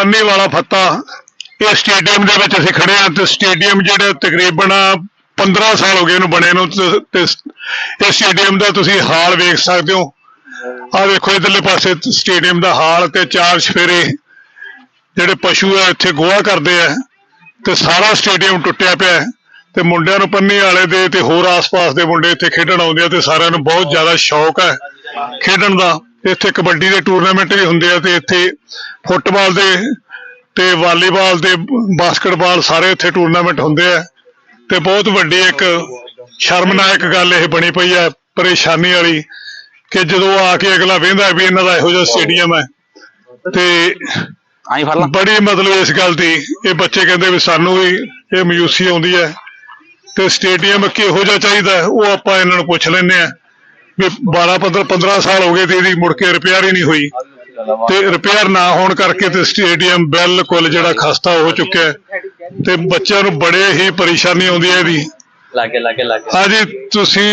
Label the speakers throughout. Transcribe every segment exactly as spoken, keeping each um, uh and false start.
Speaker 1: ਪੰਨੀ ਵਾਲਾ ਫੱਤਾ ਇਹ ਸਟੇਡੀਅਮ ਦੇ ਵਿੱਚ ਅਸੀਂ ਖੜੇ ਹਾਂ ਤੇ ਸਟੇਡੀਅਮ ਜਿਹੜੇ ਤਕਰੀਬਨ ਪੰਦਰਾਂ ਸਾਲ ਹੋ ਗਏ ਇਹਨੂੰ ਬਣੇ ਨੂੰ ਤੇ ਇਹ ਸਟੇਡੀਅਮ ਦਾ ਤੁਸੀਂ ਹਾਲ ਵੇਖ ਸਕਦੇ ਹੋ। ਆਹ ਵੇਖੋ ਇਧਰਲੇ ਪਾਸੇ ਸਟੇਡੀਅਮ ਦਾ ਹਾਲ ਤੇ ਚਾਰ ਚਫੇਰੇ ਜਿਹੜੇ ਪਸ਼ੂ ਆ ਇੱਥੇ ਗੋਹਾ ਕਰਦੇ ਆ ਤੇ ਸਾਰਾ ਸਟੇਡੀਅਮ ਟੁੱਟਿਆ ਪਿਆ ਤੇ ਮੁੰਡਿਆਂ ਨੂੰ ਪੰਨੀ ਵਾਲੇ ਦੇ ਤੇ ਹੋਰ ਆਸ-ਪਾਸ ਦੇ ਮੁੰਡੇ ਇੱਥੇ ਖੇਡਣ ਆਉਂਦੇ ਆ ਤੇ ਸਾਰਿਆਂ ਨੂੰ ਬਹੁਤ ਜ਼ਿਆਦਾ ਸ਼ੌਕ ਹੈ ਖੇਡਣ ਦਾ। ਇੱਥੇ ਕਬੱਡੀ ਦੇ ਟੂਰਨਾਮੈਂਟ ਵੀ ਹੁੰਦੇ ਆ ਤੇ ਇੱਥੇ ਫੁੱਟਬਾਲ ਦੇ ਤੇ ਵਾਲੀਬਾਲ ਦੇ ਬਾਸਕਟਬਾਲ ਸਾਰੇ ਇੱਥੇ ਟੂਰਨਾਮੈਂਟ ਹੁੰਦੇ ਆ ਤੇ ਬਹੁਤ ਵੱਡੀ ਇੱਕ ਸ਼ਰਮਨਾਇਕ ਗੱਲ ਇਹ ਬਣੀ ਪਈ ਹੈ ਪਰੇਸ਼ਾਨੀ ਵਾਲੀ ਕਿ ਜਦੋਂ ਆ ਕੇ ਅਗਲਾ ਵੇਂਦਾ ਵੀ ਇਹਨਾਂ ਦਾ ਇਹੋ ਜਿਹਾ ਸਟੇਡੀਅਮ ਹੈ ਤੇ ਬੜੀ ਮਤਲਬ ਇਸ ਗੱਲ ਦੀ ਇਹ ਬੱਚੇ ਕਹਿੰਦੇ ਵੀ ਸਾਨੂੰ ਵੀ ਇਹ ਮਾਯੂਸੀ ਆਉਂਦੀ ਹੈ ਤੇ ਸਟੇਡੀਅਮ ਕਿਹੋ ਜਿਹਾ ਚਾਹੀਦਾ ਉਹ ਆਪਾਂ ਇਹਨਾਂ ਨੂੰ ਪੁੱਛ ਲੈਂਦੇ ਆ ਵੀ ਬਾਰਾਂ ਪੰਦਰਾਂ ਪੰਦਰਾਂ ਸਾਲ ਹੋ ਗਏ ਤੇ ਇਹਦੀ ਮੁੜ ਕੇ ਰਿਪੇਅਰ ਹੀ ਨਹੀਂ ਹੋਈ ਤੇ ਰਿਪੇਅਰ ਨਾ ਹੋਣ ਕਰਕੇ ਤੇ ਸਟੇਡੀਅਮ ਬਿਲਕੁਲ ਜਿਹੜਾ ਖਸਤਾ ਹੋ ਚੁੱਕਿਆ ਤੇ ਬੱਚਿਆਂ ਨੂੰ ਬੜੇ ਹੀ ਪਰੇਸ਼ਾਨੀ ਆਉਂਦੀ ਹੈ ਇਹਦੀ।
Speaker 2: ਲਾਗੇ ਲਾਗੇ ਲਾਗੇ
Speaker 1: ਹਾਂਜੀ ਤੁਸੀਂ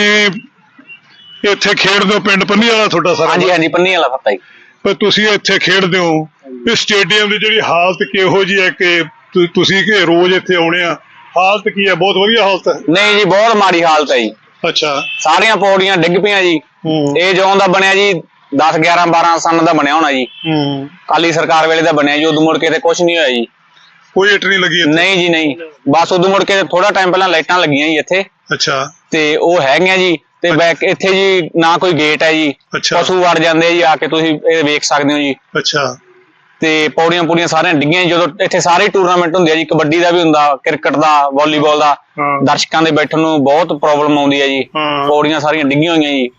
Speaker 1: ਇੱਥੇ ਖੇਡਦੇ ਹੋ ਪਿੰਡ ਪੰਨੀ ਵਾਲਾ ਤੁਹਾਡਾ ਸਾਰਾ?
Speaker 2: ਹਾਂਜੀ ਹਾਂਜੀ ਪੰਨੀ ਵਾਲਾ ਫੱਤਾ ਜੀ।
Speaker 1: ਪਰ ਤੁਸੀਂ ਇੱਥੇ ਖੇਡਦੇ ਹੋ ਇਹ ਸਟੇਡੀਅਮ ਦੀ ਜਿਹੜੀ ਹਾਲਤ ਕਿਹੋ ਜਿਹੀ ਹੈ ਕਿ ਤੁਸੀਂ ਕਿ ਰੋਜ਼ ਇੱਥੇ ਆਉਣੇ ਆ? ਹਾਲਤ ਕੀ ਹੈ? ਬਹੁਤ ਵਧੀਆ ਹਾਲਤ ਹੈ?
Speaker 2: ਨਹੀਂ ਜੀ ਬਹੁਤ ਮਾੜੀ ਹਾਲਤ ਹੈ ਜੀ।
Speaker 1: ਅੱਛਾ
Speaker 2: ਸਾਰੀਆਂ ਪੌੜੀਆਂ ਡਿੱਗ ਪਈਆਂ ਜੀ। ਇਹ ਜਦੋਂ ਦਾ ਬਣਿਆ ਜੀ ਦਸ ਗਿਆਰਾਂ ਬਾਰਾਂ ਸਾਲ ਦਾ ਬਣਿਆ ਹੋਣਾ ਜੀ। ਕਾਲੀ ਸਰਕਾਰ ਵੇਲੇ ਦਾ ਬਣਿਆ ਜੀ। ਉਦੋਂ ਮੁੜ ਕੇ ਤੇ ਕੁਛ ਨਹੀਂ ਹੋਇਆ ਜੀ।
Speaker 1: ਕੋਈ ਇੱਟ ਨਹੀਂ ਲੱਗੀ?
Speaker 2: ਨਹੀਂ ਜੀ ਨਹੀਂ ਬਸ ਉਦੋਂ ਮੁੜ ਕੇ ਥੋੜਾ ਟਾਈਮ ਪਹਿਲਾਂ ਲਾਈਟਾਂ ਲੱਗੀਆਂ ਜੀ ਇੱਥੇ।
Speaker 1: ਅੱਛਾ
Speaker 2: ਤੇ ਉਹ ਹੈਗੀਆਂ ਜੀ ਤੇ ਬੈਕ ਇੱਥੇ ਜੀ ਨਾ ਕੋਈ ਗੇਟ ਹੈ ਜੀ। ਪਸ਼ੂ ਵੜ ਜਾਂਦੇ ਆ ਜੀ ਆ ਕੇ ਤੁਸੀਂ ਇਹ ਵੇਖ ਸਕਦੇ ਹੋ ਜੀ।
Speaker 1: ਅੱਛਾ
Speaker 2: ਤੇ ਪੌੜੀਆਂ ਪੂੜੀਆਂ ਸਾਰੀਆਂ ਡਿੱਗੀਆਂ ਜਦੋਂ ਇੱਥੇ ਸਾਰੇ ਟੂਰਨਾਮੈਂਟ ਹੁੰਦੇ ਆ ਜੀ। ਕਬੱਡੀ ਦਾ ਵੀ ਹੁੰਦਾ, ਕ੍ਰਿਕਟ ਦਾ, ਵਾਲੀਬਾਲ ਦਾ। ਦਰਸ਼ਕਾਂ ਦੇ ਬੈਠਣ ਨੂੰ ਬਹੁਤ ਪ੍ਰੋਬਲਮ ਆਉਂਦੀ ਹੈ ਜੀ। ਪੌੜੀਆਂ ਸਾਰੀਆਂ ਡਿੱਗੀਆਂ ਹੋਈਆਂ ਜੀ।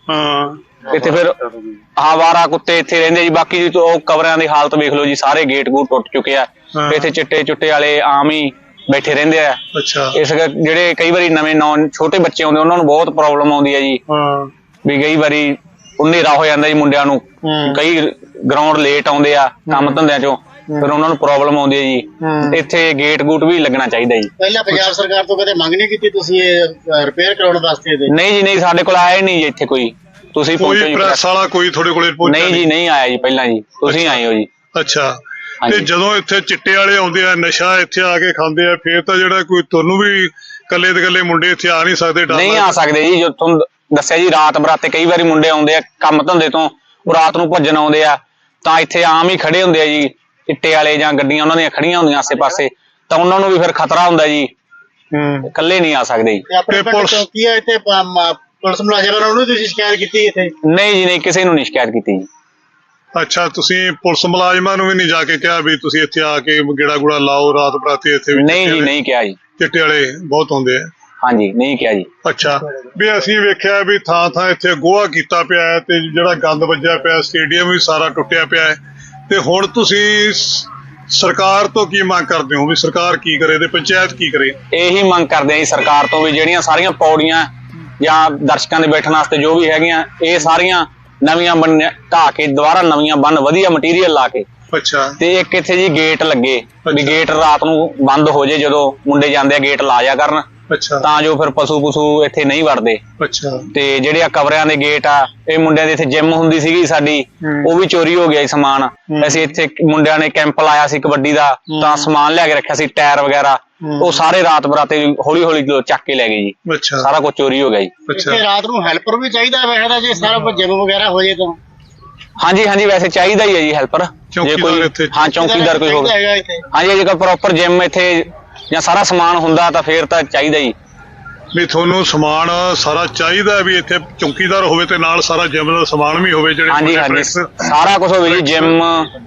Speaker 2: ਇੱਥੇ ਫਿਰ ਆਵਾਰਾ ਕੁੱਤੇ ਇੱਥੇ ਰਹਿੰਦੇ ਜੀ। ਬਾਕੀ ਉਹ ਕਵਰਾਂ ਦੀ ਹਾਲਤ ਵੇਖ ਲਓ ਜੀ। ਸਾਰੇ ਗੇਟ ਗੂਟ ਟੁੱਟ ਚੁੱਕੇ ਆ। ਇੱਥੇ ਚਿੱਟੇ ਚੁੱਟੇ ਵਾਲੇ ਆਮ ਹੀ ਬੈਠੇ ਰਹਿੰਦੇ ਆ। ਇਸ ਜਿਹੜੇ ਕਈ ਵਾਰੀ ਨਵੇਂ ਨੌ ਛੋਟੇ ਬੱਚੇ ਆਉਂਦੇ ਉਹਨਾਂ ਨੂੰ ਬਹੁਤ ਪ੍ਰੋਬਲਮ ਆਉਂਦੀ ਹੈ ਜੀ। ਵੀ ਕਈ ਵਾਰੀ ਹਨੇਰਾ ਹੋ ਜਾਂਦਾ ਜੀ ਮੁੰਡਿਆਂ ਨੂੰ। ਕਈ ਗਰਾਊਂਡ ਲੇਟ ਆਉਂਦੇ ਆ ਕੰਮ ਧੰਦਿਆਂ ਚੋਂ ਫਿਰ ਉਹਨਾਂ ਨੂੰ ਪ੍ਰੋਬਲਮ ਆਉਂਦੀ ਹੈ ਜੀ। ਇੱਥੇ ਗੇਟ ਗੂਟ ਵੀ ਲੱਗਣਾ ਚਾਹੀਦਾ ਜੀ।
Speaker 3: ਪਹਿਲਾਂ ਪੰਜਾਬ ਸਰਕਾਰ ਤੋਂ ਕਦੇ ਮੰਗ ਨਹੀਂ ਕੀਤੀ ਤੁਸੀਂ ਇਹ ਰਿਪੇਅਰ ਕਰਾਉਣ ਵਾਸਤੇ?
Speaker 2: ਨਹੀਂ ਜੀ ਨਹੀਂ ਸਾਡੇ ਕੋਲ ਆਇਆ ਹੀ ਨਹੀਂ ਜੀ ਇੱਥੇ ਕੋਈ। ਤੁਸੀਂ
Speaker 1: ਕੋਈ ਪ੍ਰੈਸ ਵਾਲਾ ਕੋਈ ਤੁਹਾਡੇ ਕੋਲੇ ਪਹੁੰਚਿਆ?
Speaker 2: ਨਹੀਂ ਜੀ ਨਹੀਂ ਆਇਆ ਜੀ ਪਹਿਲਾਂ ਜੀ। ਤੁਸੀਂ ਆਏ ਹੋ ਜੀ।
Speaker 1: ਅੱਛਾ ਤੇ ਜਦੋਂ ਇੱਥੇ ਚਿੱਟੇ ਵਾਲੇ ਆਉਂਦੇ ਆ ਨਸ਼ਾ ਇੱਥੇ ਆ ਕੇ ਖਾਂਦੇ ਆ ਫੇਰ ਤਾਂ ਜਿਹੜਾ ਕੋਈ ਤੁਹਾਨੂੰ ਵੀ ਕੱਲੇ ਤੇ ਕੱਲੇ ਮੁੰਡੇ ਇੱਥੇ ਆ ਨਹੀਂ ਸਕਦੇ?
Speaker 2: ਨਹੀਂ ਆ ਸਕਦੇ ਜੀ। ਜੋ ਤੁਹਾਨੂੰ ਦੱਸਿਆ ਜੀ ਰਾਤ ਬਰਾਤੇ ਕਈ ਵਾਰੀ ਮੁੰਡੇ ਆਉਂਦੇ ਆ ਕੰਮ ਧੰਦੇ ਤੋਂ ਉਹ ਰਾਤ ਨੂੰ ਭੱਜਣ ਆਉਂਦੇ ਆ ਤਾਂ ਇੱਥੇ ਆਮ ਹੀ ਖੜੇ ਹੁੰਦੇ ਆ ਜੀ। ਚਿੱਟੇ ਵਾਲੇ ਜਾਂ ਗੱਡੀਆਂ ਉਹਨਾਂ ਦੀਆਂ ਖੜੀਆਂ ਹੁੰਦੀਆਂ ਆਸੇ ਪਾਸੇ ਤਾਂ ਉਹਨਾਂ ਨੂੰ ਵੀ ਫਿਰ ਖਤਰਾ ਹੁੰਦਾ ਜੀ। ਇਕੱਲੇ ਨਹੀਂ ਆ ਸਕਦੇ ਜੀ।
Speaker 3: ਚੌਕੀ ਆ ਇੱਥੇ ਪੁਲਿਸ ਮੁਲਾਜ਼ਮਾਂ ਨੂੰ ਤੁਸੀਂ ਸ਼ਿਕਾਇਤ ਕੀਤੀ ਇੱਥੇ?
Speaker 2: ਨਹੀਂ ਜੀ ਨਹੀਂ ਕਿਸੇ ਨੂੰ ਨਹੀਂ ਸ਼ਿਕਾਇਤ ਕੀਤੀ ਜੀ।
Speaker 1: ਅੱਛਾ ਤੁਸੀਂ ਪੁਲਿਸ ਮੁਲਾਜ਼ਮਾਂ ਨੂੰ ਵੀ ਨਹੀਂ ਜਾ ਕੇ ਕਿਹਾ ਵੀ ਤੁਸੀਂ ਇੱਥੇ ਆ ਕੇ ਗੇੜਾ ਗੁੜਾ ਲਾਓ ਰਾਤ ਬਰਾਤੇ ਇੱਥੇ?
Speaker 2: ਨਹੀਂ ਜੀ ਨਹੀਂ ਕਿਹਾ ਜੀ।
Speaker 1: ਚਿੱਟੇ ਵਾਲੇ ਬਹੁਤ ਆਉਂਦੇ ਆ?
Speaker 2: ਹਾਂਜੀ ਨਹੀਂ ਕਿਹਾ ਜੀ।
Speaker 1: ਅੱਛਾ ਵੀ ਅਸੀਂ ਵੇਖਿਆ ਵੀ ਥਾਂ ਥਾਂ ਇੱਥੇ ਗੋਹਾ ਕੀਤਾ ਪਿਆ ਹੈ ਤੇ ਜਿਹੜਾ ਗੰਦ ਵੱਜਿਆ ਪਿਆ ਸਟੇਡੀਅਮ ਵੀ ਸਾਰਾ ਟੁੱਟਿਆ ਪਿਆ ਹੈ ਤੇ ਹੁਣ ਤੁਸੀਂ ਸਰਕਾਰ ਤੋਂ ਕੀ ਮੰਗ ਕਰਦੇ ਹੋ ਵੀ ਸਰਕਾਰ ਕੀ ਕਰੇ ਤੇ ਪੰਚਾਇਤ ਕੀ ਕਰੇ?
Speaker 2: ਇਹੀ ਮੰਗ ਕਰਦੇ ਆ ਜੀ ਸਰਕਾਰ ਤੋਂ ਵੀ ਜਿਹੜੀਆਂ ਸਾਰੀਆਂ ਪੌੜੀਆਂ ਜਾਂ ਦਰਸ਼ਕਾਂ ਦੇ ਬੈਠਣ ਵਾਸਤੇ ਜੋ ਵੀ ਹੈਗੀਆਂ ਇਹ ਸਾਰੀਆਂ ਨਵੀਆਂ ਬਣ ਢਾਹ ਕੇ ਦੁਬਾਰਾ ਨਵੀਆਂ ਬਣ ਵਧੀਆ ਮਟੀਰੀਅਲ ਲਾ ਕੇ।
Speaker 1: ਅੱਛਾ ਤੇ
Speaker 2: ਇੱਕ ਇੱਥੇ ਜੀ ਗੇਟ ਲੱਗੇ ਵੀ ਗੇਟ ਰਾਤ ਨੂੰ ਬੰਦ ਹੋ ਜੇ ਜਦੋਂ ਮੁੰਡੇ ਜਾਂਦੇ ਆ ਗੇਟ ਲਾ ਜਾ ਕਰਨ ਤਾਂ ਜੋ ਫਿਰ ਪਸ਼ੂ ਪਸ਼ੂ ਇੱਥੇ ਨਹੀਂ ਵੜਦੇ।
Speaker 1: ਅੱਛਾ
Speaker 2: ਤੇ ਜਿਹੜੇ ਆ ਕਵਰਿਆਂ ਦੇ ਗੇਟ ਆ ਇਹ ਮੁੰਡਿਆਂ ਦੇ ਇੱਥੇ ਜਿਮ ਹੁੰਦੀ ਸੀਗੀ ਸਾਡੀ ਉਹ ਵੀ ਚੋਰੀ ਹੋ ਗਿਆ ਸਮਾਨ। ਅਸੀਂ ਇੱਥੇ ਮੁੰਡਿਆਂ ਨੇ ਕੈਂਪ ਲਾਇਆ ਸੀ ਕਬੱਡੀ ਦਾ ਤਾਂ ਸਮਾਨ ਲਿਆ ਕੇ ਰੱਖਿਆ ਸੀ ਟਾਇਰ ਵਗੈਰਾ ਉਹ ਸਾਰੇ ਰਾਤ ਬਰਾਤੇ ਹੌਲੀ ਹੌਲੀ ਚੱਕ ਕੇ ਲੈ ਗਏ ਜੀ। ਸਾਰਾ ਕੁਝ ਚੋਰੀ ਹੋ ਗਿਆ ਜੀ।
Speaker 3: ਇੱਥੇ ਰਾਤ ਨੂੰ ਹੈਲਪਰ ਵੀ ਚਾਹੀਦਾ ਵੈਸੇ ਜੇ ਸਾਰਾ ਜਿਮ ਵਗੈਰਾ ਹੋ ਜੇ ਤਾਂ?
Speaker 2: ਹਾਂਜੀ ਹਾਂਜੀ ਵੈਸੇ ਚਾਹੀਦਾ ਹੀ ਹੈ ਜੀ ਹੈਲਪਰ ਜੇ ਕੋਈ। ਹਾਂ ਚੌਕੀਦਾਰ ਕੋਈ ਹੋਵੇ। ਹਾਂਜੀ ਜੇਕਰ ਪ੍ਰੋਪਰ ਜਿਮ ਇੱਥੇ ਜਾਂ ਸਾਰਾ ਸਮਾਨ ਹੁੰਦਾ ਤਾਂ ਫੇਰ ਤਾਂ ਚਾਹੀਦਾ ਜੀ।
Speaker 1: ਵੀ ਤੁਹਾਨੂੰ ਸਮਾਨ ਸਾਰਾ ਚਾਹੀਦਾ ਵੀ ਇੱਥੇ ਚੌਕੀਦਾਰ ਹੋਵੇ ਤੇ ਨਾਲ ਸਾਰਾ ਜਿਮ ਦਾ ਸਮਾਨ ਵੀ ਹੋਵੇ ਜਿਹੜੇ?
Speaker 2: ਹਾਂਜੀ ਹਾਂਜੀ ਸਾਰਾ ਕੁਝ ਹੋਵੇ ਜੀ। ਜਿਮ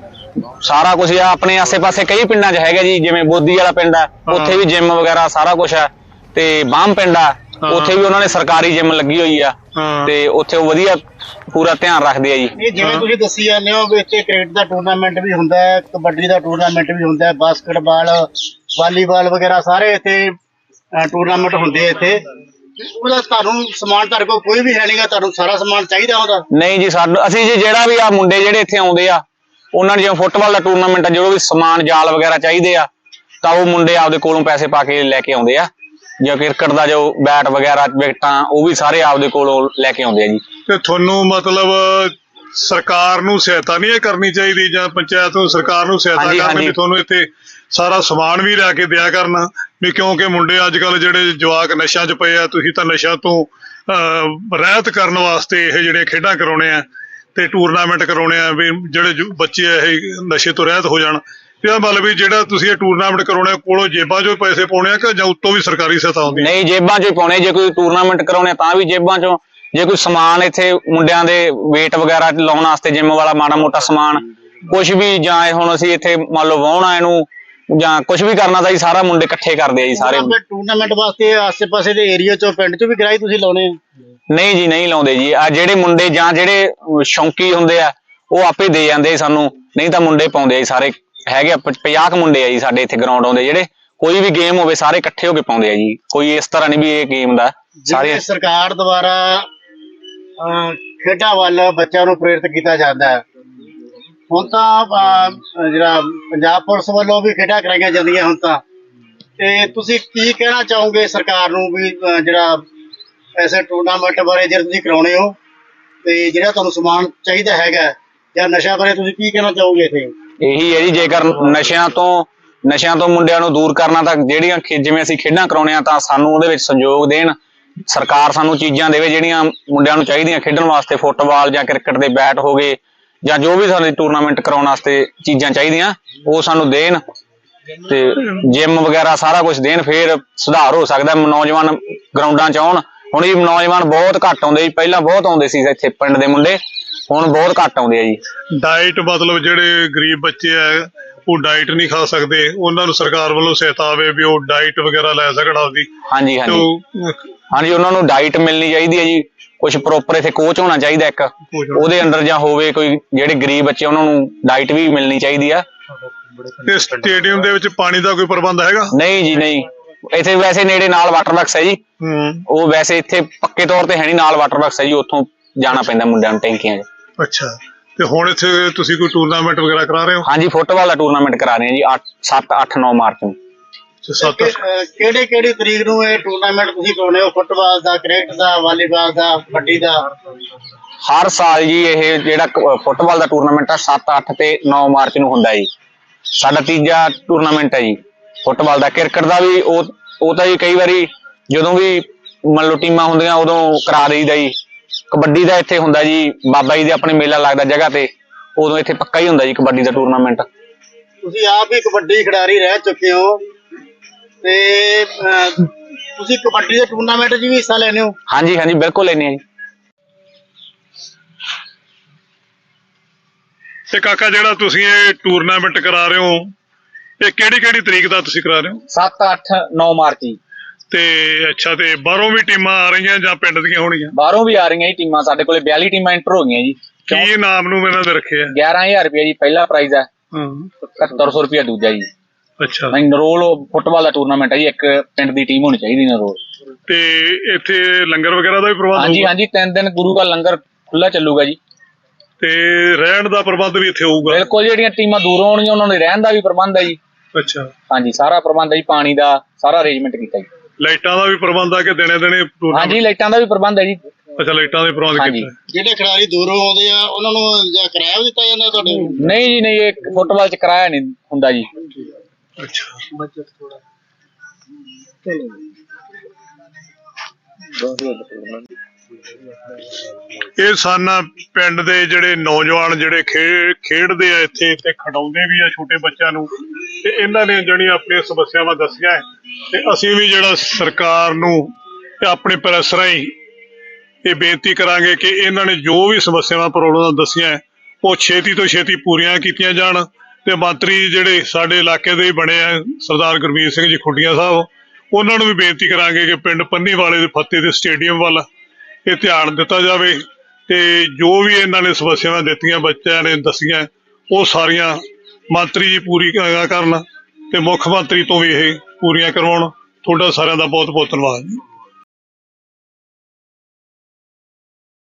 Speaker 2: ਸਾਰਾ ਕੁਝ ਆ। ਆਪਣੇ ਆਸੇ ਪਾਸੇ ਕਈ ਪਿੰਡਾਂ 'ਚ ਹੈਗਾ ਜੀ ਜਿਵੇਂ ਬੋਦੀ ਵਾਲਾ ਪਿੰਡ ਆ ਉੱਥੇ ਵੀ ਜਿਮ ਵਗੈਰਾ ਸਾਰਾ ਕੁਝ ਆ ਤੇ ਬਾਮ ਪਿੰਡ ਆ ਉੱਥੇ ਵੀ ਉਹਨਾਂ ਨੇ ਸਰਕਾਰੀ ਜਿਮ ਲੱਗੀ ਹੋਈ ਆ ਤੇ ਉੱਥੇ ਉਹ ਵਧੀਆ ਪੂਰਾ ਧਿਆਨ ਰੱਖਦੇ ਆ ਜੀ।
Speaker 3: ਇਹ ਜਿਵੇਂ ਤੁਸੀਂ ਦੱਸੀ ਜਾਂਦੇ ਹੋ ਵੀ ਇੱਥੇ ਕ੍ਰਿਕਟ ਦਾ ਟੂਰਨਾਮੈਂਟ ਵੀ ਹੁੰਦਾ ਹੈ, ਕਬੱਡੀ ਦਾ ਟੂਰਨਾਮੈਂਟ ਵੀ ਹੁੰਦਾ ਹੈ, ਬਾਸਕਟਬਾਲ, ਵਾਲੀਬਾਲ ਵਗੈਰਾ ਸਾਰੇ ਇੱਥੇ ਟੂਰਨਾਮੈਂਟ ਹੁੰਦੇ ਆ ਇੱਥੇ। ਉਹਦਾ ਤੁਹਾਨੂੰ ਸਮਾਨ ਤੁਹਾਡੇ ਕੋਲ ਕੋਈ ਵੀ ਹੈ ਨਹੀਂਗਾ, ਤੁਹਾਨੂੰ ਸਾਰਾ ਸਮਾਨ ਚਾਹੀਦਾ ਉਹਦਾ?
Speaker 2: ਨਹੀਂ ਜੀ ਸਾਨੂੰ ਅਸੀਂ ਜੀ ਜਿਹੜਾ ਵੀ ਆ ਮੁੰਡੇ ਜਿਹੜੇ ਇੱਥੇ ਆਉਂਦੇ ਆ ਉਹਨਾਂ ਨੂੰ ਜਿਵੇਂ ਫੁੱਟਬਾਲ ਦਾ ਟੂਰਨਾਮੈਂਟ ਆ ਜਦੋਂ ਵੀ ਸਮਾਨ ਜਾਲ ਵਗੈਰਾ ਚਾਹੀਦੇ ਆ ਤਾਂ ਉਹ ਮੁੰਡੇ ਆਪਦੇ ਕੋਲੋਂ ਪੈਸੇ ਪਾ ਕੇ ਲੈ ਕੇ ਆਉਂਦੇ ਆ। ਜਾਂ ਕ੍ਰਿਕਟ ਦਾ ਜੋ ਬੈਟ ਵਗੈਰਾ ਵਿਕਟਾਂ ਉਹ ਵੀ ਸਾਰੇ ਆਪਦੇ ਕੋਲੋਂ ਲੈ ਕੇ ਆਉਂਦੇ ਆ ਜੀ।
Speaker 1: ਤੇ ਤੁਹਾਨੂੰ ਮਤਲਬ ਸਰਕਾਰ ਨੂੰ ਸਹਾਇਤਾ ਨਹੀਂ ਇਹ ਕਰਨੀ ਚਾਹੀਦੀ, ਜਾਂ ਪੰਚਾਇਤ ਨੂੰ ਸਰਕਾਰ ਨੂੰ ਸਹਾਇਤਾ
Speaker 2: ਹਾਂਜੀ,
Speaker 1: ਕਰਨੀ ਵੀ
Speaker 2: ਹਾਂਜੀ।
Speaker 1: ਤੁਹਾਨੂੰ ਇੱਥੇ ਸਾਰਾ ਸਮਾਨ ਵੀ ਲਿਆ ਕੇ ਦਿਆ ਕਰਨਾ ਵੀ, ਕਿਉਂਕਿ ਮੁੰਡੇ ਅੱਜ ਕੱਲ ਜਿਹੜੇ ਜਵਾਕ ਨਸ਼ਿਆਂ 'ਚ ਪਏ ਆ, ਤੁਸੀਂ ਤਾਂ ਨਸ਼ਿਆਂ ਤੋਂ ਅਹ ਰਹਿਤ ਕਰਨ ਵਾਸਤੇ ਇਹ ਜਿਹੜੇ ਖੇਡਾਂ ਕਰਾਉਣੇ ਆ ਤੇ ਟੂਰਨਾਮੈਂਟ ਕਰਾਉਣੇ ਆ ਵੀ ਜਿਹੜੇ ਜੋ ਬੱਚੇ ਆ ਇਹ ਨਸ਼ੇ ਤੋਂ ਰਹਿਤ ਹੋ ਜਾਣ। ਇਹਦਾ ਮਤਲਬ ਵੀ ਜਿਹੜਾ ਤੁਸੀਂ ਇਹ ਟੂਰਨਾਮੈਂਟ ਕਰਾਉਣੇ ਆ, ਕੋਲੋਂ ਜੇਬਾਂ 'ਚੋਂ ਪੈਸੇ ਪਾਉਣੇ ਆ ਕਿ ਜਾਂ ਉੱਤੋਂ ਵੀ ਸਰਕਾਰੀ ਸਹਾਇਤਾ ਆਉਂਦੀ ਹੈ?
Speaker 2: ਨਹੀਂ, ਜੇਬਾਂ 'ਚੋਂ ਹੀ ਪਾਉਣੇ। ਜੇ ਕੋਈ ਟੂਰਨਾਮੈਂਟ ਕਰਾਉਣੇ ਆ ਤਾਂ ਵੀ ਜੇਬਾਂ 'ਚੋਂ, ਜੇ ਕੋਈ ਸਮਾਨ ਇੱਥੇ ਮੁੰਡਿਆਂ ਦੇ weight ਵਗੈਰਾ ਲਾਉਣ ਵਾਸਤੇ ਜਿਮ ਵਾਲਾ ਮਾੜਾ ਮੋਟਾ ਸਮਾਨ ਕੁਝ ਵੀ, ਜਾਂ ਇਹ ਹੁਣ ਅਸੀਂ ਇੱਥੇ ਮੰਨ ਲਓ ਵਾਹੁਣਾ ਇਹਨੂੰ ਜਾਂ ਕੁਝ ਵੀ ਕਰਨਾ ਤਾਂ ਜੀ ਸਾਰਾ ਮੁੰਡੇ ਇਕੱਠੇ ਕਰਦੇ ਆ ਜੀ ਸਾਰੇ।
Speaker 3: ਟੂਰਨਾਮੈਂਟ ਵਾਸਤੇ ਆਸੇ-ਪਾਸੇ ਦੇ ਏਰੀਆ 'ਚੋਂ ਪਿੰਡ 'ਚੋਂ ਵੀ ਕਿਰਾਏ ਤੁਸੀਂ ਲਾਉਣੇ ਆ?
Speaker 2: ਨਹੀਂ ਜੀ, ਨਹੀਂ ਲਾਉਂਦੇ ਜੀ। ਆ ਜਿਹੜੇ ਮੁੰਡੇ ਜਾਂ ਜਿਹੜੇ ਸ਼ੌਂਕੀ ਹੁੰਦੇ ਆ ਉਹ ਆਪੇ ਦੇ ਜਾਂਦੇ ਸਾਨੂੰ, ਨਹੀਂ ਤਾਂ ਮੁੰਡੇ ਪਾਉਂਦੇ ਆ ਜੀ ਸਾਰੇ। ਹੈਗੇ ਆ ਪੰਜਾਹ ਕੁ ਮੁੰਡੇ ਆ ਜੀ ਸਾਡੇ ਇੱਥੇ ਗਰਾਊਂਡ ਆਉਂਦੇ, ਜਿਹੜੇ ਕੋਈ ਵੀ ਗੇਮ ਹੋਵੇ ਸਾਰੇ ਇਕੱਠੇ ਹੋ ਕੇ ਪਾਉਂਦੇ ਆ ਜੀ। ਕੋਈ ਇਸ ਤਰ੍ਹਾਂ ਨਹੀਂ ਵੀ ਇਹ ਗੇਮ ਦਾ ਸਾਰੇ।
Speaker 3: ਸਰਕਾਰ ਦੁਆਰਾ ਅਹ, ਖੇਡਾਂ ਵੱਲ ਬੱਚਿਆਂ ਨੂੰ ਪ੍ਰੇਰਿਤ ਕੀਤਾ ਜਾਂਦਾ ਹੈ। ਹੁਣ ਤਾਂ ਅਹ, ਜਿਹੜਾ ਪੰਜਾਬ ਪੁਲਿਸ ਵੱਲੋਂ ਵੀ ਖੇਡਾਂ ਕਰਾਈਆਂ ਜਾਂਦੀਆਂ ਹੁਣ ਤਾਂ, ਤੇ ਤੁਸੀਂ ਕੀ ਕਹਿਣਾ ਚਾਹੋਗੇ ਸਰਕਾਰ ਨੂੰ ਵੀ ਅਹ, ਜਿਹੜਾ ਐਸੇ ਟੂਰਨਾਮੈਂਟ ਬਾਰੇ ਜਿਹੜੇ ਤੁਸੀਂ ਕਰਾਉਣੇ ਹੋ ਤੇ ਜਿਹੜਾ ਤੁਹਾਨੂੰ ਸਮਾਨ ਚਾਹੀਦਾ ਹੈਗਾ, ਜਾਂ ਨਸ਼ਾ ਬਾਰੇ ਤੁਸੀਂ ਕੀ ਕਹਿਣਾ ਚਾਹੋਗੇ ਇੱਥੇ?
Speaker 2: ਇਹੀ ਹੈ ਜੀ, ਜੇਕਰ ਨਸ਼ਿਆਂ ਤੋਂ ਨਸ਼ਿਆਂ ਤੋਂ ਮੁੰਡਿਆਂ ਨੂੰ ਦੂਰ ਕਰਨਾ ਤਾਂ ਜਿਹੜੀਆਂ ਜਿਵੇਂ ਅਸੀਂ ਖੇਡਾਂ ਕਰਾਉਣੇ ਆ ਤਾਂ ਸਾਨੂੰ ਉਹਦੇ ਵਿੱਚ ਸਹਿਯੋਗ ਦੇਣ। ਸਰਕਾਰ ਸਾਨੂੰ ਚੀਜ਼ਾਂ ਦੇਵੇ ਜਿਹੜੀਆਂ ਮੁੰਡਿਆਂ ਨੂੰ ਚਾਹੀਦੀਆਂ ਖੇਡਣ ਵਾਸਤੇ, ਫੁੱਟਬਾਲ ਜਾਂ ਕ੍ਰਿਕਟ ਦੇ ਬੈਟ ਹੋ ਗਏ ਜਾਂ ਜੋ ਵੀ ਸਾਨੂੰ ਟੂਰਨਾਮੈਂਟ ਕਰਾਉਣ ਵਾਸਤੇ ਚੀਜ਼ਾਂ ਚਾਹੀਦੀਆਂ ਉਹ ਸਾਨੂੰ ਦੇਣ, ਤੇ ਜਿਮ ਵਗੈਰਾ ਸਾਰਾ ਕੁਝ ਦੇਣ, ਫੇਰ ਸੁਧਾਰ ਹੋ ਸਕਦਾ। ਨੌਜਵਾਨ ਗਰਾਊਂਡਾਂ 'ਚ ਆਉਣ। ਹੁਣ ਇਹ ਨੌਜਵਾਨ ਬਹੁਤ ਘੱਟ ਆਉਂਦੇ ਜੀ, ਪਹਿਲਾਂ ਬਹੁਤ ਆਉਂਦੇ ਸੀ ਇੱਥੇ ਪਿੰਡ ਦੇ ਮੁੰਡੇ, ਹੁਣ ਬਹੁਤ ਘੱਟ ਆਉਂਦੇ ਆ ਜੀ।
Speaker 1: ਡਾਈਟ ਮਤਲਬ ਜਿਹੜੇ ਗਰੀਬ ਬੱਚੇ ਆ ਉਹ ਡਾਈਟ ਨਹੀਂ ਖਾ ਸਕਦੇ, ਉਹਨਾਂ ਨੂੰ ਸਰਕਾਰ ਵੱਲੋਂ ਸਹਾਇਤਾ ਆਵੇ ਵੀ ਉਹ ਡਾਈਟ ਵਗੈਰਾ ਲੈ ਸਕਣ ਆਪਦੀ।
Speaker 2: ਹਾਂਜੀ ਹਾਂਜੀ ਹਾਂਜੀ, ਉਹਨਾਂ ਨੂੰ ਡਾਈਟ ਮਿਲਣੀ ਚਾਹੀਦੀ ਹੈ ਜੀ। ਕੁਝ ਪ੍ਰੋਪਰ ਇੱਥੇ ਕੋਚ ਹੋਣਾ ਚਾਹੀਦਾ ਇੱਕ, ਉਹਦੇ ਅੰਡਰ ਜਾਂ ਹੋਵੇ ਕੋਈ, ਜਿਹੜੇ ਗਰੀਬ ਬੱਚੇ ਉਹਨਾਂ ਨੂੰ ਡਾਈਟ ਵੀ ਮਿਲਣੀ ਚਾਹੀਦੀ ਆ।
Speaker 1: ਤੇ ਸਟੇਡੀਅਮ ਦੇ ਵਿੱਚ ਪਾਣੀ ਦਾ ਕੋਈ ਪ੍ਰਬੰਧ ਹੈਗਾ?
Speaker 2: ਨਹੀਂ ਜੀ, ਨਹੀਂ। ਇੱਥੇ ਵੈਸੇ ਨੇੜੇ ਨਾਲ ਵਾਟਰ ਬਾਕਸ ਹੈ ਜੀ, ਉਹ ਵੈਸੇ ਇੱਥੇ ਪੱਕੇ ਤੌਰ ਤੇ ਹੈ ਨਹੀਂ, ਨਾਲ ਵਾਟਰ ਬਾਕਸ ਹੈ ਜੀ, ਉੱਥੋਂ ਜਾਣਾ ਪੈਂਦਾ ਮੁੰਡਿਆਂ ਨੂੰ ਟੈਂਕੀਆਂ 'ਚ।
Speaker 1: ਅੱਛਾ, ਤੇ ਹੁਣ ਇੱਥੇ ਤੁਸੀਂ ਕੋਈ ਟੂਰਨਾਮੈਂਟ ਵਗੈਰਾ ਕਰਾ ਰਹੇ ਹੋ?
Speaker 2: ਹਾਂਜੀ, ਫੁੱਟਬਾਲ ਦਾ ਟੂਰਨਾਮੈਂਟ ਕਰਾ ਰਹੇ ਹਾਂ ਜੀ, ਸੱਤ ਅੱਠ ਨੌ ਮਾਰਚ ਨੂੰ।
Speaker 3: ਕਿਹੜੇ ਕਿਹੜੀ ਤਰੀਕ ਨੂੰ ਇਹ ਟੂਰਨਾਮੈਂਟ ਤੁਸੀਂ ਕਰਾਉਣੇ ਹੋ? ਫੁੱਟਬਾਲ ਦਾ, ਕ੍ਰਿਕਟ ਦਾ, ਵਾਲੀਬਾਲ ਦਾ, ਕਬੱਡੀ ਦਾ?
Speaker 2: ਹਰ ਸਾਲ ਜੀ ਇਹ ਜਿਹੜਾ ਫੁੱਟਬਾਲ ਦਾ ਟੂਰਨਾਮੈਂਟ ਆ ਸੱਤ ਅੱਠ ਤੇ ਨੌ ਮਾਰਚ ਨੂੰ ਹੁੰਦਾ ਜੀ। ਸਾਡਾ ਤੀਜਾ ਟੂਰਨਾਮੈਂਟ ਹੈ ਜੀ ਫੁੱਟਬਾਲ ਦਾ। ਕ੍ਰਿਕਟ ਦਾ ਵੀ ਉਹ ਉਹ ਤਾਂ ਜੀ ਕਈ ਵਾਰੀ ਜਦੋਂ ਵੀ ਮੰਨ ਲਓ ਟੀਮਾਂ ਹੁੰਦੀਆਂ ਉਦੋਂ ਕਰਾ ਦਈਦਾ ਜੀ। ਕਬੱਡੀ ਦਾ ਇੱਥੇ ਹੁੰਦਾ ਜੀ, ਬਾਬਾ ਜੀ ਦੇ ਆਪਣੇ ਮੇਲਾ ਲੱਗਦਾ ਜਗ੍ਹਾ ਤੇ, ਉਦੋਂ ਇੱਥੇ ਪੱਕਾ ਹੀ ਹੁੰਦਾ ਜੀ ਕਬੱਡੀ ਦਾ ਟੂਰਨਾਮੈਂਟ।
Speaker 3: ਤੁਸੀਂ ਆਪ ਹੀ ਕਬੱਡੀ ਖਿਡਾਰੀ ਰਹਿ ਚੁੱਕੇ ਹੋ ਤੇ ਅਹ, ਤੁਸੀਂ ਕਬੱਡੀ ਦੇ ਟੂਰਨਾਮੈਂਟ 'ਚ ਵੀ ਹਿੱਸਾ ਲੈਂਦੇ ਹੋ?
Speaker 2: ਹਾਂਜੀ ਹਾਂਜੀ, ਬਿਲਕੁਲ ਲੈਂਦੇ ਆ ਜੀ।
Speaker 1: ਤੇ ਕਾਕਾ ਜਿਹੜਾ ਤੁਸੀਂ ਇਹ ਟੂਰਨਾਮੈਂਟ ਕਰਾ ਰਹੇ ਹੋ, ਇਹ ਕਿਹੜੀ ਕਿਹੜੀ ਤਰੀਕ ਦਾ ਤੁਸੀਂ ਕਰਾ ਰਹੇ ਹੋ?
Speaker 2: ਸੱਤ ਅੱਠ ਨੌ ਮਾਰਚ ਜੀ।
Speaker 1: ਤੇ ਅੱਛਾ, ਤੇ ਬਾਹਰੋਂ ਵੀ ਟੀਮਾਂ ਆ ਰਹੀਆਂ ਜਾਂ ਪਿੰਡ ਦੀਆਂ ਹੋਣਗੀਆਂ?
Speaker 2: ਬਾਹਰੋਂ ਵੀ ਆ ਰਹੀਆਂ ਜੀ ਟੀਮਾਂ, ਸਾਡੇ ਕੋਲੇ ਬਿਆਲੀ ਟੀਮਾਂ ਇੰਟਰ ਹੋ ਗਈਆਂ ਜੀ।
Speaker 1: ਕੀ ਨਾਮ ਨੂੰ ਇਹਨਾਂ ਦੇ ਰੱਖੇ ਆ?
Speaker 2: ਗਿਆਰਾਂ ਹਜ਼ਾਰ ਰੁਪਇਆ ਜੀ ਪਹਿਲਾ ਪ੍ਰਾਈਜ਼ ਹੈ,
Speaker 1: ਹਾਂ,
Speaker 2: ਇਕਹੱਤਰ ਸੌ ਰੁਪਇਆ ਦੂਜਾ ਜੀ।
Speaker 1: ਅੱਛਾ,
Speaker 2: ਨਹੀਂ, ਨਰੋਲ ਫੁੱਟਬਾਲ ਦਾ ਟੂਰਨਾਮੈਂਟ ਹੈ ਜੀ, ਇੱਕ ਪਿੰਡ ਦੀ ਟੀਮ ਹੋਣੀ ਚਾਹੀਦੀ ਨਰੋਲ।
Speaker 1: ਤੇ ਇੱਥੇ ਲੰਗਰ ਵਗੈਰਾ ਦਾ ਵੀ ਪ੍ਰਬੰਧ?
Speaker 2: ਹਾਂਜੀ ਹਾਂਜੀ, ਤਿੰਨ ਦਿਨ ਗੁਰੂ ਦਾ ਲੰਗਰ ਖੁੱਲਾ ਚੱਲੂਗਾ ਜੀ।
Speaker 1: ਤੇ ਰਹਿਣ ਦਾ ਪ੍ਰਬੰਧ ਵੀ ਇੱਥੇ ਹੋਊਗਾ?
Speaker 2: ਬਿਲਕੁਲ, ਜਿਹੜੀਆਂ ਟੀਮਾਂ ਦੂਰੋਂ ਆਉਣਗੀਆਂ ਉਹਨਾਂ ਦੇ ਰਹਿਣ ਦਾ ਵੀ ਪ੍ਰਬੰਧ ਹੈ ਜੀ।
Speaker 1: ਅੱਛਾ,
Speaker 2: ਹਾਂਜੀ, ਸਾਰਾ ਪ੍ਰਬੰਧ ਹੈ ਜੀ, ਪਾਣੀ ਦਾ ਸਾਰਾ ਅਰੇਂਜਮੈਂਟ ਕੀਤਾ ਜੀ।
Speaker 1: ਲਾਈਟਾਂ ਦਾ ਵੀ ਪ੍ਰਬੰਧ ਆ ਕਿ ਦਿਨੇ ਦਿਨੇ?
Speaker 2: ਹਾਂਜੀ, ਲਾਈਟਾਂ ਦਾ ਵੀ ਪ੍ਰਬੰਧ ਹੈ ਜੀ।
Speaker 1: ਅੱਛਾ, ਲਾਈਟਾਂ ਦਾ ਪ੍ਰਬੰਧ ਕੀਤਾ।
Speaker 3: ਜਿਹੜੇ ਖਿਡਾਰੀ ਦੂਰੋਂ ਆਉਂਦੇ ਆ ਉਹਨਾਂ ਨੂੰ ਜਾਂ ਕਿਰਾਇਆ ਵੀ ਦਿੱਤਾ ਜਾਂਦਾ ਤੁਹਾਡੇ?
Speaker 2: ਨਹੀਂ ਜੀ, ਨਹੀਂ, ਇਹ ਫੁੱਟਬਾਲ 'ਚ ਕਿਰਾਇਆ ਨਹੀਂ ਹੁੰਦਾ ਜੀ।
Speaker 1: ਅੱਛਾ,
Speaker 3: ਬਜਟ ਥੋੜਾ
Speaker 1: ਇਹ ਸਨ ਪਿੰਡ ਦੇ ਜਿਹੜੇ ਨੌਜਵਾਨ ਜਿਹੜੇ ਖੇ- ਖੇਡਦੇ ਆ ਇੱਥੇ ਤੇ ਖਿਡਾਉਂਦੇ ਵੀ ਆ ਛੋਟੇ ਬੱਚਿਆਂ ਨੂੰ, ਤੇ ਇਹਨਾਂ ਨੇ ਜਿਹੜੀਆਂ ਆਪਣੀਆਂ ਸਮੱਸਿਆਵਾਂ ਦੱਸੀਆਂ ਹੈ। ਤੇ ਅਸੀਂ ਵੀ ਜਿਹੜਾ ਸਰਕਾਰ ਨੂੰ ਤੇ ਆਪਣੇ ਪ੍ਰੈਸ ਰਾਹੀਂ ਇਹ ਬੇਨਤੀ ਕਰਾਂਗੇ ਕਿ ਇਹਨਾਂ ਨੇ ਜੋ ਵੀ ਸਮੱਸਿਆਵਾਂ ਪ੍ਰੋਬਲਮ ਦੱਸੀਆਂ ਹੈ, ਉਹ ਛੇਤੀ ਤੋਂ ਛੇਤੀ ਪੂਰੀਆਂ ਕੀਤੀਆਂ ਜਾਣ। ਤੇ ਮੰਤਰੀ ਜਿਹੜੇ ਸਾਡੇ ਇਲਾਕੇ ਦੇ ਹੀ ਬਣੇ ਆ ਸਰਦਾਰ ਗੁਰਮੀਤ ਸਿੰਘ ਜੀ ਖੁੱਡੀਆਂ ਸਾਹਿਬ, ਉਹਨਾਂ ਨੂੰ ਵੀ ਬੇਨਤੀ ਕਰਾਂਗੇ ਕਿ ਪਿੰਡ ਪੰਨੀ ਵਾਲੇ ਦੇ ਫਤਿਹ ਦੇ ਸਟੇਡੀਅਮ ਵੱਲ ਇਹ ਧਿਆਨ ਦਿੱਤਾ ਜਾਵੇ, ਤੇ ਜੋ ਵੀ ਇਹਨਾਂ ਨੇ ਸਮੱਸਿਆਵਾਂ ਦਿੱਤੀਆਂ ਬੱਚਿਆਂ ਨੇ ਦੱਸੀਆਂ ਉਹ ਸਾਰੀਆਂ ਮੰਤਰੀ ਜੀ ਪੂਰੀ ਕਰਨ, ਤੇ ਮੁੱਖ ਮੰਤਰੀ ਤੋਂ ਵੀ ਇਹ ਪੂਰੀਆਂ ਕਰਵਾਉਣ। ਤੁਹਾਡਾ ਸਾਰਿਆਂ ਦਾ ਬਹੁਤ ਬਹੁਤ ਧੰਨਵਾਦ ਜੀ।